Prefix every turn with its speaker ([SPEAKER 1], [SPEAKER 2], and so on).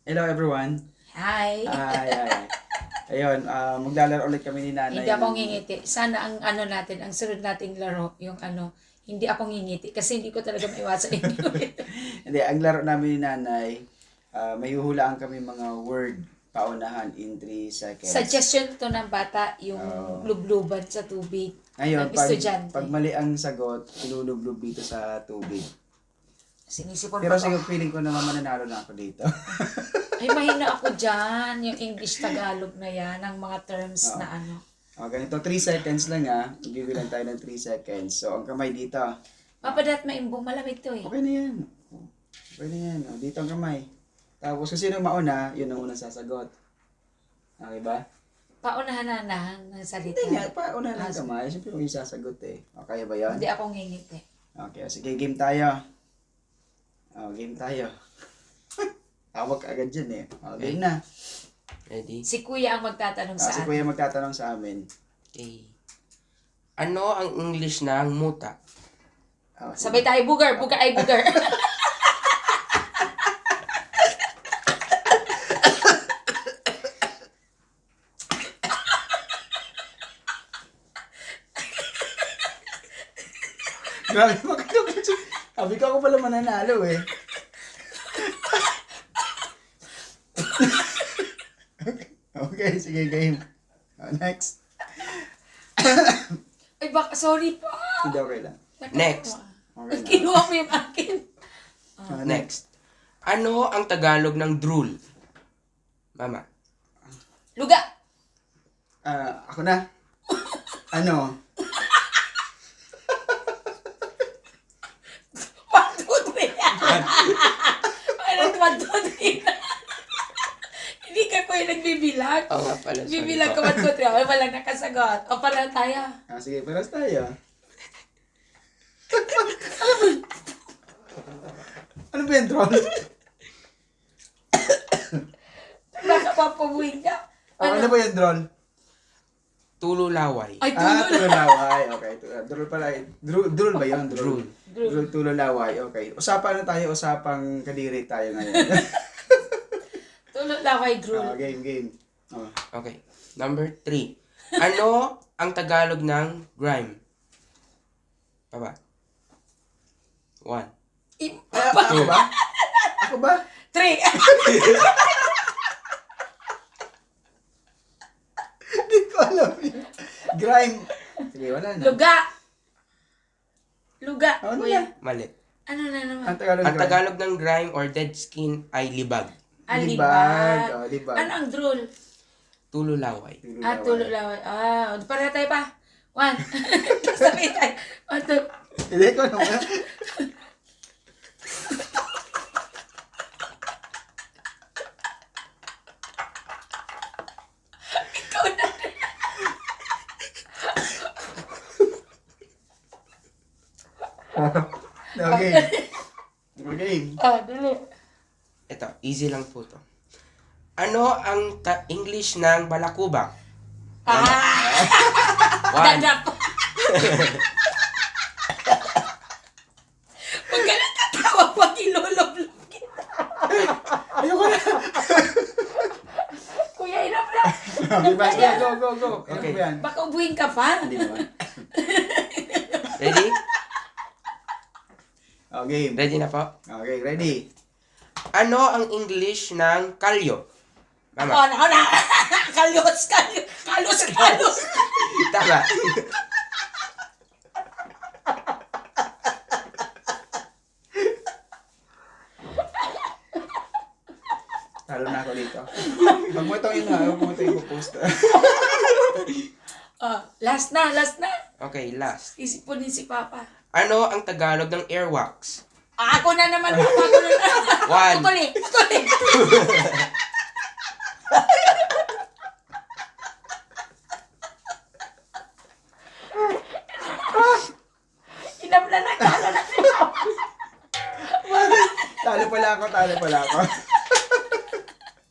[SPEAKER 1] Hello everyone.
[SPEAKER 2] Hi.
[SPEAKER 1] Ay. Ayun, maglalaro ulit kami ni Nanay.
[SPEAKER 2] Hindi ako ngingiti. Sana ang natin, ang sunod nating laro, yung hindi ako ngingiti. Kasi hindi ko talaga maiwasan inyo.
[SPEAKER 1] Hindi, ang laro namin ni Nanay, may huhulaan kami mga word paunahan in 3 seconds.
[SPEAKER 2] Suggestion to ng bata, yung lubluban sa tubig.
[SPEAKER 1] Ngayon,
[SPEAKER 2] ng estudyante.
[SPEAKER 1] pag mali ang sagot, ilulublub dito sa tubig.
[SPEAKER 2] Sinisipon
[SPEAKER 1] Pero
[SPEAKER 2] pa
[SPEAKER 1] siguro feeling ko naman mananalo na ako dito.
[SPEAKER 2] Ay, mahina ako dyan. Yung English-Tagalog na yan, ang mga terms na ano.
[SPEAKER 1] Ganito, 3 seconds lang Bibilang tayo ng 3 seconds. So, ang kamay dito.
[SPEAKER 2] Papadat maimbong, malamig to eh.
[SPEAKER 1] Okay na yan. Okay na yan. Dito ang kamay. Tapos kung sino mauna, yun ang unang sasagot. Okay ba?
[SPEAKER 2] Paunahan-anahan ng salita.
[SPEAKER 1] Hindi nga, pauna ng kamay. Siyempre yung sasagot eh. Okay ba yun?
[SPEAKER 2] Hindi ako ngingiti.
[SPEAKER 1] Okay, sige, game tayo. Game tayo. Tawag ka agad dyan eh. Game na.
[SPEAKER 3] Ready?
[SPEAKER 2] Si Kuya ang magtatanong sa
[SPEAKER 1] Si
[SPEAKER 2] atin.
[SPEAKER 1] Kuya magtatanong sa amin.
[SPEAKER 3] Okay. Ano ang English ng muta?
[SPEAKER 2] Sabay tayo, bugar ay bugar.
[SPEAKER 1] Grabe, magkano. Sabi ko ako pala mananalo eh. Okay, sige, game. Next.
[SPEAKER 2] Ay, sorry pa.
[SPEAKER 1] Hindi, okay lang.
[SPEAKER 3] Next.
[SPEAKER 1] Okay na.
[SPEAKER 2] Kinuha mo yung akin.
[SPEAKER 3] Next. Ano ang Tagalog ng drool? Mama.
[SPEAKER 2] Luga.
[SPEAKER 1] Ako na. Ano?
[SPEAKER 2] 1, 2, 3. Ano, 1, 2, 3. Hindi ka ko yung nagbibilang.
[SPEAKER 3] Oo nga pala. sorry
[SPEAKER 2] Bibilang
[SPEAKER 3] po.
[SPEAKER 2] ka 1, 2, 3. Ay, walang nakasagot. O, pala tayo.
[SPEAKER 1] Sige, paras tayo. Ano ba yung troll?
[SPEAKER 2] Baka papabuhin ka.
[SPEAKER 1] Ano ba yung drone?
[SPEAKER 3] Tululaway.
[SPEAKER 2] Ay, tulo na.
[SPEAKER 1] Tululaway. Okay. Drone pala. Drone ba yun?
[SPEAKER 3] Drool.
[SPEAKER 1] Drone, tululaway. Okay. Usapan na tayo. Usapang kadiri tayo ngayon.
[SPEAKER 2] Tulo laway, drool.
[SPEAKER 1] Game.
[SPEAKER 3] Okay. Number 3. Ano ang Tagalog ng grime? Baba. 1.
[SPEAKER 1] Ako ba? Ako ba?
[SPEAKER 2] 3.
[SPEAKER 1] Hindi ko alam yun. Grime. Sige, wala na.
[SPEAKER 2] Luga.
[SPEAKER 1] Ano
[SPEAKER 2] Kuya.
[SPEAKER 1] na?
[SPEAKER 3] Mali.
[SPEAKER 2] Ano na naman?
[SPEAKER 1] Ang Tagalog.
[SPEAKER 3] Ang Tagalog ng grime or dead skin ay libag.
[SPEAKER 2] Alibag.
[SPEAKER 1] Libag.
[SPEAKER 2] Ano ang drool?
[SPEAKER 3] Tululaway.
[SPEAKER 2] Tulo laway. Para tayo pa. 1. Sabi tayo. 1, 2.
[SPEAKER 1] Hindi ko naman.
[SPEAKER 2] Ikaw na.
[SPEAKER 1] Game.
[SPEAKER 2] Dali.
[SPEAKER 3] Ito, easy lang po to. Ano ang English ng balakubak? 1.
[SPEAKER 2] Dadap. Huwag ka na tatawa pag iloloblog kita.
[SPEAKER 1] Ayoko na.
[SPEAKER 2] Kuya, inap na.
[SPEAKER 1] Okay, basta. Go.
[SPEAKER 3] Okay.
[SPEAKER 1] Ano ba yan?
[SPEAKER 2] Baka ubuhin ka pa.
[SPEAKER 1] Hindi naman.
[SPEAKER 3] Ready?
[SPEAKER 1] Game.
[SPEAKER 3] Ready na po?
[SPEAKER 1] Okay, ready.
[SPEAKER 3] Ano ang English ng kalyo? Mama.
[SPEAKER 2] Ako na. Kalos.
[SPEAKER 3] Tama.
[SPEAKER 1] Talo na ako dito. Huwag mo itong ipopost.
[SPEAKER 2] Last na.
[SPEAKER 3] Okay, last.
[SPEAKER 2] Isipunin si Papa.
[SPEAKER 3] Ano ang Tagalog ng airwax?
[SPEAKER 2] Ako na naman. Ako na.
[SPEAKER 3] 1.
[SPEAKER 2] Putuli. Inap na. Kala na.
[SPEAKER 1] Talo pala ako.